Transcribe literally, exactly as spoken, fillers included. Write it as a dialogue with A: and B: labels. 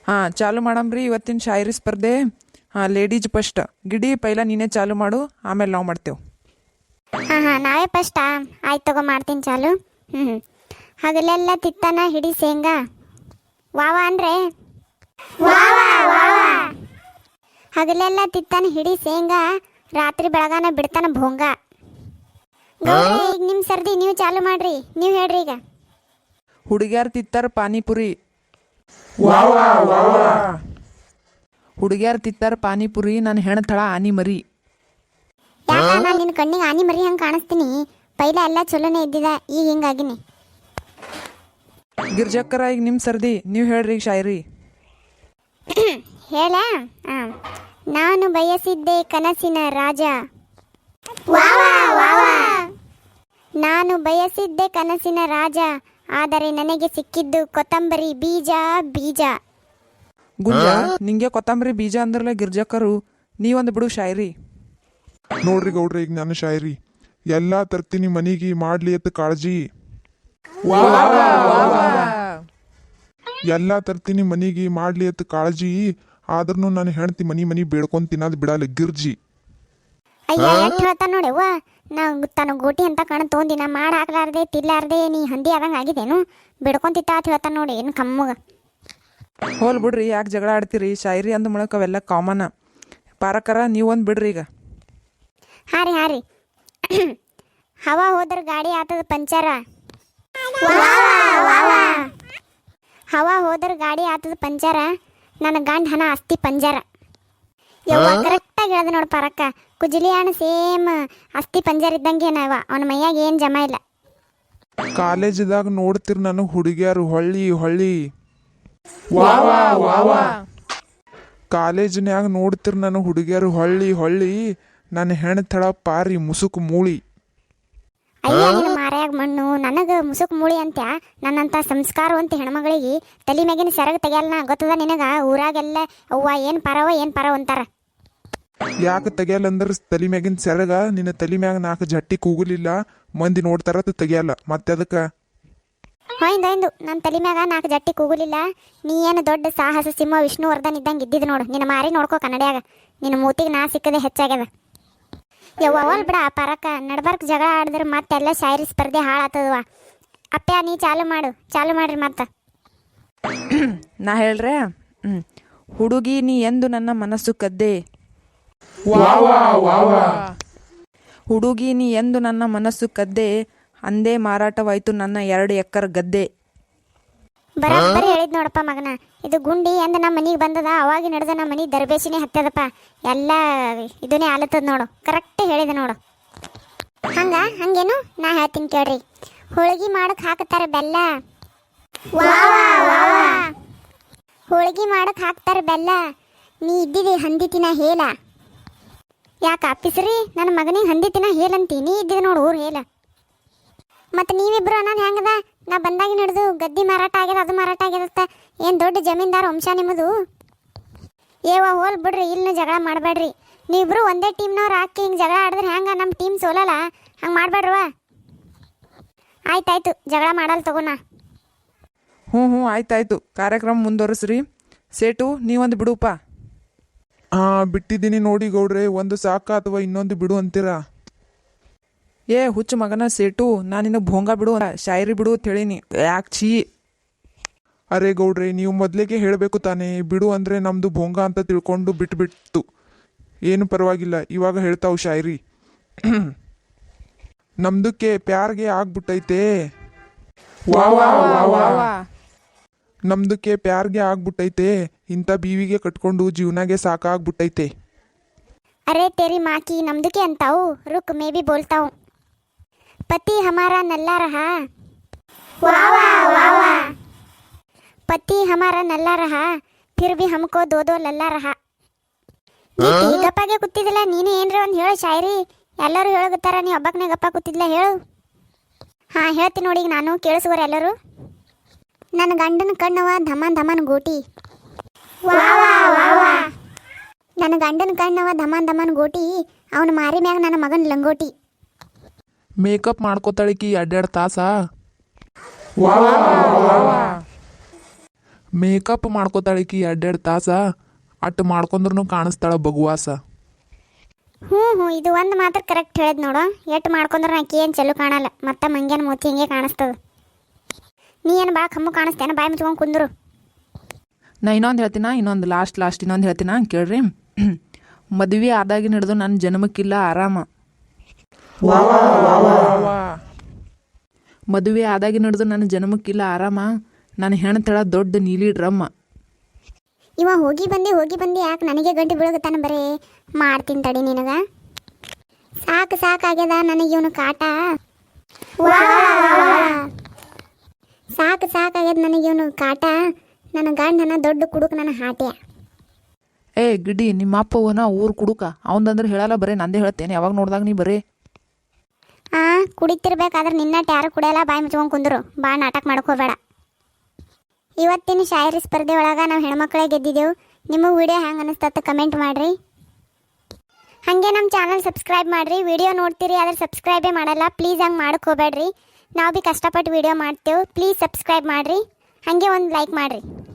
A: ಹಾಂ ಚಾಲು ಮಾಡಮ್ರಿ ಇವತ್ತಿನ ಶಾಯರಿ ಸ್ಪರ್ಧೆ. ಹಾಂ ಲೇಡೀಸ್ ಫಸ್ಟ್. ಗಿಡಿ ಪೈಲ ನೀನೇ ಚಾಲು ಮಾಡು, ಆಮೇಲೆ ನಾವು ಮಾಡ್ತೇವೆ.
B: ಹಾಂ ಹಾಂ ನಾವೇ ಫಸ್ಟಾ? ಆಯ್ತು ತಗೋ, ಮಾಡ್ತೀನಿ ಚಾಲು. ಹ್ಞೂ ಹ್ಞೂ ಹಗಲೆಲ್ಲ ತಿತ್ತಾನ ಹಿಡಿ ಶೇಂಗಾ. ವಾವ ಅಂದರೆ ಹಗಲೆಲ್ಲ ತಿತ್ತಾನ ಹಿಡಿ ಶೇಂಗಾ, ರಾತ್ರಿ ಬೆಳಗಾನ ಬಿಡ್ತಾನ ಭೋಂಗ. ಗೌಡ್ರೆ, ಈಗ ನಿಮ್ಮ ಸರ್ದಿ ನೀವು ಚಾಲು ಮಾಡ್ರಿ, ನೀವು ಹೇಳ್ರಿ ಈಗ.
A: ಹುಡುಗ್ಯಾರ ತಿತ್ತಾರ ಪಾನಿಪುರಿ. ಹುಡುಗ್ಯಾರ ತಿತ್ತಾರ ಪಾನಿಪುರಿ, ನನ್ನ ಹೆಣ್ತಳ ಆನಿ ಮರಿ.
B: ಯಾಕ ನಾನು ನಿನ್ನ ಕಣ್ಣಿಗೆ ಆನಿ ಮರಿ ಹಂಗೆ ಕಾಣಿಸ್ತೀನಿ? ಪೈಲ ಎಲ್ಲ ಚಲೋನೇ ಇದ್ದಿದ, ಈಗ ಹಿಂಗಾಗಿನಿ.
A: ಗಿರ್ಜಕ್ಕರ ಈಗ ನಿಮ್ಮ ಸರ್ದಿ, ನೀವು ಹೇಳ್ರಿ ಈಗ ಶಾಯರಿ.
B: ಹೇಳ. ಹಾಂ ನಾನು ಬಯಸಿದ್ದೆ ಕನಸಿನ ರಾಜ. ನಾನು ಬಯಸಿದ್ದೆ ಕನಸಿನ ರಾಜ, ಆದರೆ ನನಗೆ ಸಿಕ್ಕಿದ್ದು ಕೊತ್ತಂಬರಿ ಬೀಜ ಬೀಜ.
A: ಗುಂಜ ನಿಂಗೆ ಕೊತ್ತಂಬರಿ ಬೀಜ ಅಂದ್ರಲ್ಲ ಗಿರ್ಜಕ್ಕರು, ನೀವೊಂದು ಬಿಡು ಶಾಯರಿ.
C: ನೋಡ್ರಿ ಗೌಡ್ರಿ, ಈಗ ನಾನು ಶಾಯರಿ. ಎಲ್ಲ ತರ್ತೀನಿ ಮನಿಗೆ ಮಾಡ್ಲಿ ಅತ್ತ ಕಾಳಜಿ. ಎಲ್ಲ ತರ್ತೀನಿ ಮನಿಗೆ ಮಾಡ್ಲಿ ಅತ್ತ ಕಾಳಜಿ, ಆದ್ರೂ ನಾನು ಹೆಣ್ತಿ ಮನಿ ಮನಿ ಬೇಡ್ಕೊಂಡ್ ತಿನ್ನೋದು ಬಿಡಲ್ಲ ಗಿರ್ಜಿ.
B: ಅಯ್ಯ ಎಷ್ಟು ಹೇಳ್ತಾನ ನೋಡೆವ್ವ, ನಾವು ತನ್ನ ಗೋಟಿ ಅಂತ ಕಣ ತೊಗೊಂದಿನ ಮಾಡಿ ಹಾಕ್ಲಾರ್ದೆ ತಿರ್ಲಾರ್ದೆ ನೀ ಹಂದಿ ಆದಂಗೆ ಆಗಿದೇನು? ಬಿಡ್ಕೊಂತಿತ್ತ ಅಂತ ಹೇಳ್ತಾನ ನೋಡಿ, ಏನು ಕಮ್ಮಗ.
A: ಹೋಲ್ ಬಿಡ್ರಿ, ಯಾಕೆ ಜಗಳ ಆಡ್ತೀರಿ? ಶಾಯರಿ ಅಂದ ಮೂಲಕ ಅವೆಲ್ಲ ಕಾಮನ್. ಪಾರಕರ ನೀವೊಂದು ಬಿಡ್ರಿ ಈಗ.
B: ಹಾಂ ರೀ ಹಾಂ ರೀ ಹವಾ ಹೋದ್ರ ಗಾಡಿ ಆತದ ಪಂಚರ. ಹವಾ ಹೋದ್ರ ಗಾಡಿ ಆತದ ಪಂಚರ, ನನ್ನ ಗಂಡ ಹಣ ಅಸ್ತಿ ಪಂಜರ. ಯವ್ವ ಕರೆಕ್ಟಾಗಿ ಹೇಳ್ದೆ ನೋಡಿ ಪರಕ್ಕ, ಕುಜಲಿ ಹಣ ಸೇಮ್ ಅಸ್ತಿ ಪಂಜರ ಇದ್ದಂಗೆ ನಾವ, ಅವನ ಮೈಯಾಗ ಏನು ಜಮ ಇಲ್ಲ.
C: ಕಾಲೇಜದಾಗ ನೋಡ್ತಿರ್ ನನಗೆ ಹುಡುಗಿಯಾರು ಹೊಳ್ಳಿ ಹೊಳ್ಳಿ. ಕಾಲೇಜ್ನ್ಯಾಗ ನೋಡ್ತಿರ್ ನನಗೆ ಹುಡುಗಿಯಾರು ಹೊಳ್ಳಿ ಹೊಳ್ಳಿ, ನನ್ನ ಹೆಣ್ತಳ ಪಾರಿ ಮುಸುಕು ಮೂಳಿ.
B: ಅಯ್ಯ ನಿನ್ನ ಮಾರ್ಯಾಗ ಮಣ್ಣು, ನನಗೆ ಮುಸುಕ್ ಮೂಳಿ ಅಂತ್ಯ? ನನ್ನಂಥ ಸಂಸ್ಕಾರವಂತ ಹೆಣ್ಮಗಳಿಗೆ ತಲೆ ಮ್ಯಾಗಿನ ಸೆರಗ ತೆಗಿಯಲ್ಲ, ಗೊತ್ತದ ನಿನಗ? ಊರಾಗೆಲ್ಲ ಅವ್ವ ಏನು ಪರವ ಏನು ಪರವ ಅಂತಾರ.
C: ಯಾಕೆ ತೆಗಿಯಲ್ಲಂದ್ರೆ ತಲೆ ಮ್ಯಾಗಿನ ಸೆರಗ ನಿನ್ನ ತಲೆ ಮ್ಯಾಗ ನಾಲ್ಕು ಜಟ್ಟಿ ಕೂಗಲಿಲ್ಲ, ಮಂದಿ ನೋಡ್ತಾರ ತೆಗಿಯಲ್ಲ. ಮತ್ತೆ ಅದಕ್ಕೆ
B: ಹೊಯ್ದು ನನ್ನ ತಲೆ ಮ್ಯಾಗ ನಾಲ್ಕು ಜಟ್ಟಿ ಕೂಗುಲಿಲ್ಲ. ನೀ ಏನು ದೊಡ್ಡ ಸಾಹಸ ಸಿಂಹ ವಿಷ್ಣುವರ್ಧನ್ ಇದ್ದಂಗೆ ಇದ್ದಿದ್ದು ನೋಡು. ನಿನ್ನ ಮಾರಿ ನೋಡ್ಕೋ ಕನ್ನಡಿಯಾಗ, ನಿನ್ನ ಮೂತಿಗೆ ನಾ ಸಿಕ್ಕದೆ ಹೆಚ್ಚಾಗ್ಯದ. ಯವ್ವ ಅವಲ್ ಬಿಡ ಪರಕ, ನಡ್ಬರ್ಕ್ ಜಗಳ ಆಡಿದ್ರೆ ಮತ್ತೆಲ್ಲ ಶಾಯರಿ ಸ್ಪರ್ಧೆ ಹಾಳಾತದವ. ಅಪ್ಪ ನೀ ಚಾಲು ಮಾಡು, ಚಾಲು ಮಾಡ್ರಿ ಮತ್ತೆ.
A: ನಾ ಹೇಳ್ರೆ. ಹ್ಞೂ ಹುಡುಗಿ ನೀ ಎಂದು ನನ್ನ ಮನಸ್ಸು ಕದ್ದೆ. ಹುಡುಗಿ ನೀ ಎಂದು ನನ್ನ ಮನಸ್ಸು ಕದ್ದೆ, ಅಂದೇ ಮಾರಾಟವಾಯ್ತು ನನ್ನ ಎರಡು ಎಕ್ಕರ್ ಗದ್ದೆ.
B: ಬರೋಬ್ಬರಿ ಹೇಳಿದ್ ನೋಡಪ್ಪ ಮಗನ. ಇದು ಗುಂಡಿ ಎಂದ ನಮ್ಮ ಮನಿಗೆ ಬಂದದ, ಅವಾಗಿ ನಡೆದ ನಮ್ಮ ಮನಿ ದರ್ಬೇಸಿನೇ ಹತ್ತದಪ್ಪ. ಎಲ್ಲ ಇದನ್ನೇ ಆಲತ್ತದ ನೋಡು, ಕರೆಕ್ಟ್ ಹೇಳಿದೆ ನೋಡು. ಹಂಗ ಹಂಗೇನು ನಾ ಹೇಳ್ತೀನಿ ಕೇಳ್ರಿ. ಹೋಳಿಗೆ ಮಾಡಕ್ ಹಾಕ್ತಾರ ಬೆಲ್ಲ. ಹೋಳಿಗೆ ಮಾಡಕ್ ಹಾಕ್ತಾರ ಬೆಲ್ಲ, ನೀ ಇದ್ದಿದಿ ಹಂದಿ ತಿನ್ನ ಹೇಲ. ಯಾಕ ಅಪ್ಪಿಸ್ರಿ ನನ್ನ ಮಗನಿಗೆ ಹಂದಿ ತಿನ್ನ ಹೇಲಂತಿ? ನೀ ಇದ್ದಿದ್ ನೋಡು ಊರು ಹೇಲ. ಮತ್ತು ನೀವಿಬ್ರು ಅನ್ನೋದು ಹೆಂಗದ? ನಾ ಬಂದಾಗಿ ನಡೆದು ಗದ್ದಿ ಮಾರಾಟ ಆಗ್ಯದ, ಅದು ಮಾರಾಟ ಆಗ್ಯದತ್ತ. ಏನು ದೊಡ್ಡ ಜಮೀನ್ದಾರ ವಂಶ ನಿಮ್ಮದು? ಏವ ಹೋಲ್ ಬಿಡ್ರಿ, ಇಲ್ಲಿ ಜಗಳ ಮಾಡಬೇಡ್ರಿ. ನೀವಿಬ್ರು ಒಂದೇ ಟೀಮ್ನವ್ರು ಹಾಕಿ ಹಿಂಗೆ ಜಗಳ ಆಡಿದ್ರೆ ಹೆಂಗೆ? ನಮ್ಮ ಟೀಮ್ ಸೋಲಲ್ಲ, ಹಂಗೆ ಮಾಡಬೇಡ್ರವ. ಆಯ್ತಾಯ್ತು, ಜಗಳ ಮಾಡಲ್ಲ ತಗೋಣ.
A: ಹ್ಞೂ ಹ್ಞೂ ಆಯ್ತಾಯ್ತು, ಕಾರ್ಯಕ್ರಮ ಮುಂದುವರಿಸ್ರಿ. ಸೇಟು ನೀವೊಂದು ಬಿಡುಪ್ಪ.
C: ಹಾಂ ಬಿಟ್ಟಿದ್ದೀನಿ ನೋಡಿ ಗೌಡ್ರೆ, ಒಂದು ಸಾಕ ಅಥವಾ ಇನ್ನೊಂದು ಬಿಡು ಅಂತೀರಾ?
A: ಏ ಹುಚ್ಚು ಮಗನ ಸೇಟು, ನಾನು ನಿನಗೆ ಭೋಂಗ ಬಿಡು, ಶಾಯರಿ ಬಿಡು ಅಂತ ಹೇಳೀನಿ. ಯಾಕೆ ಛೀ?
C: ಅರೆ ಗೌಡ್ರೆ, ನೀವು ಮೊದಲಿಗೆ ಹೇಳಬೇಕು ತಾನೇ, ಬಿಡು ಅಂದರೆ ನಮ್ಮದು ಭೋಂಗ ಅಂತ ತಿಳ್ಕೊಂಡು ಬಿಟ್ಬಿಟ್ಟು. ಏನು ಪರವಾಗಿಲ್ಲ, ಇವಾಗ ಹೇಳ್ತಾವು ಶಾಯರಿ. ನಮ್ದಕ್ಕೆ ಪ್ಯಾರ್ಗೆ ಆಗ್ಬಿಟ್ಟೈತೆ. ನಮ್ದಕ್ಕೆ ಪ್ಯಾರ್ಗೆ ಆಗ್ಬಿಟ್ಟೈತೆ, ಇಂಥ ಬೀವಿಗೆ ಕಟ್ಕೊಂಡು ಜೀವನಾಗೆ ಸಾಕಾಗ್ಬಿಟ್ಟೈತೆ.
B: ಅರೆ तेरी माँ की नमदुके अंताऊ, रुक मैं भी बोलता हूँ. पति हमारा नल्ला रहा. पति हमारा नल्ला रहा, फिर भी हमको दो दो लल्ला रहा. ಗಪ್ಪಾಗೆ ಕೂತಿದ್ದಿಲ್ಲ ನೀನು? ಏನ್ರಿ ಒಂದು ಹೇಳು ಶಾಯರಿ. ಎಲ್ಲರೂ ಹೇಳಗುತ್ತಾರ, ನೀ ಒಬ್ಬಕ್ಕನೇ ಗಪ್ಪ ಕೂತಿದ್ಲ, ಹೇಳು. ಹಾಂ ಹೇಳ್ತೀನಿ ನೋಡಿ, ಈಗ ನಾನು ಕೇಳಿಸುವರೆ ಎಲ್ಲರೂ. ನನ್ನ ಗಂಡನ ಕಣ್ಣವ ಧಮನ್ ಧಮನ್ ಗೋಟಿ. ನನ್ನ ಗಂಡನ ಕಣ್ಣವ ಧಮನ್ ಧಮನ್ ಗೋಟಿ, ಅವನ ಮಾರಿ ಮ್ಯಾಗ ನನ್ನ ಮಗನ ಲಂಗೋಟಿ.
A: ಮೇಕಪ್ ಮಾಡ್ಕೋತಾಳಿಕಿ ಎರಡೆರಡು ತಾಸ.
D: ಮೇಕಪ್ ಮಾಡ್ಕೋತಾಳಿಕಿ ಎರಡೆರಡು ತಾಸ ಅಟ್ಟು ಮಾಡ್ಕೊಂಡ್ರು ಕಾಣಿಸ್ತಾಳ ಬಗುವಾಸ.
B: ಹ್ಞೂ ಹ್ಞೂ ಇದು ಒಂದು ಮಾತ್ರ ಕರೆಕ್ಟ್ ಹೇಳಿದ್ ನೋಡು. ಎಟ್ಟು ಮಾಡ್ಕೊಂಡ್ರೆ ಆಕಿ ಏನು ಚಲೋ ಕಾಣಲ್ಲ, ಮತ್ತೆ ಮಂಗ್ಯಾನ ಮೂತಿ ಹಿಂಗೆ ಕಾಣಿಸ್ತದ. ನೀ ಏನು ಭಾಳ ಕಮ್ಮು ಕಾಣಿಸ್ತೇನ, ಬಾಯಿ ಮುಚ್ಕೊಂಡು ಕುಂದ್ರು.
A: ನಾ ಇನ್ನೊಂದು ಹೇಳ್ತೀನ, ಇನ್ನೊಂದು ಲಾಸ್ಟ್ ಲಾಸ್ಟ್ ಇನ್ನೊಂದು ಹೇಳ್ತೀನ ಕೇಳ್ರಿ. ಮದುವೆ ಆದಾಗಿನ ಹಿಡಿದು ನನ್ನ ಜನ್ಮಕ್ಕಿಲ್ಲ ಆರಾಮ. ಮದುವೆ ಆದಾಗಿನ ಹಿಡಿದು ನನ್ನ ಜನ್ಮಕ್ಕಿಲ್ಲ ಆರಾಮ, ನನ್ನ ಹೆಣ್ತಳ ದೊಡ್ಡ ನೀಲಿ ಡ್ರಮ್ಮ.
B: ಇವ ಹೋಗಿ ಬಂದು ಹೋಗಿ ಬಂದು ಯಾಕೆ ನನಗೆ ಗಂಟೆ ಬೀಳಗತ್ತಾನ, ಬರೀ ಮಾಡ್ತೀನಿ ತಡಿ ನಿನಗ. ಸಾಕು ಸಾಕಾಗ್ಯದ ನನಗೆ ಇವನು ಕಾಟ. ಸಾಕು ಸಾಕಾಗ್ಯದ ನನಗೆ ಇವನು ಕಾಟ. ನನ್ನ ಗಂಡನ ದೊಡ್ಡ ಕುಡುಕ ನನ್ನ ಹಾಟ್ಯ.
A: ಏ ಗಿಡ್ಡಿ, ನಿಮ್ಮ ಅಪ್ಪ ಹೋನ ಊರು ಕುಡುಕ ಅವಂದಂದ್ರೆ ಹೇಳಲ್ಲ, ಬರೀ ನಂದೇ ಹೇಳ್ತೇನೆ. ಯಾವಾಗ ನೋಡ್ದಾಗ ನೀ ಬರೀ
B: ಆ ಕುಡಿತಿರ್ಬೇಕಾದ್ರೆ ನಿನ್ನಟ್ಟು ಯಾರು ಕುಡಿಯಲ್ಲ, ಬಾಯಿ ಮುಚ್ಕೊಂಡು ಕುಂದ್ರು. ಭಾಳ ನಾಟಕ ಮಾಡ್ಕೋಬೇಡ. ಇವತ್ತಿನ ಶಾಯರಿ ಸ್ಪರ್ಧೆ ಒಳಗೆ ನಾವು ಹೆಣ್ಮಕ್ಳೇ ಗೆದ್ದಿದ್ದೆವು. ನಿಮಗೆ ವಿಡಿಯೋ ಹೆಂಗೆ ಅನಿಸ್ತತ್ತ ಕಮೆಂಟ್ ಮಾಡಿರಿ. ಹಾಗೆ ನಮ್ಮ ಚಾನಲ್ ಸಬ್ಸ್ಕ್ರೈಬ್ ಮಾಡಿರಿ. ವಿಡಿಯೋ ನೋಡ್ತೀರಿ ಆದರೆ ಸಬ್ಸ್ಕ್ರೈಬೇ ಮಾಡಲ್ಲ, ಪ್ಲೀಸ್ ಹಂಗೆ ಮಾಡಕ್ಕೆ ಹೋಗ್ಬೇಡ್ರಿ. ನಾವು ಭೀ ಕಷ್ಟಪಟ್ಟು ವಿಡಿಯೋ ಮಾಡ್ತೇವೆ. ಪ್ಲೀಸ್ ಸಬ್ಸ್ಕ್ರೈಬ್ ಮಾಡಿರಿ, ಹಾಗೆ ಒಂದು ಲೈಕ್ ಮಾಡಿರಿ.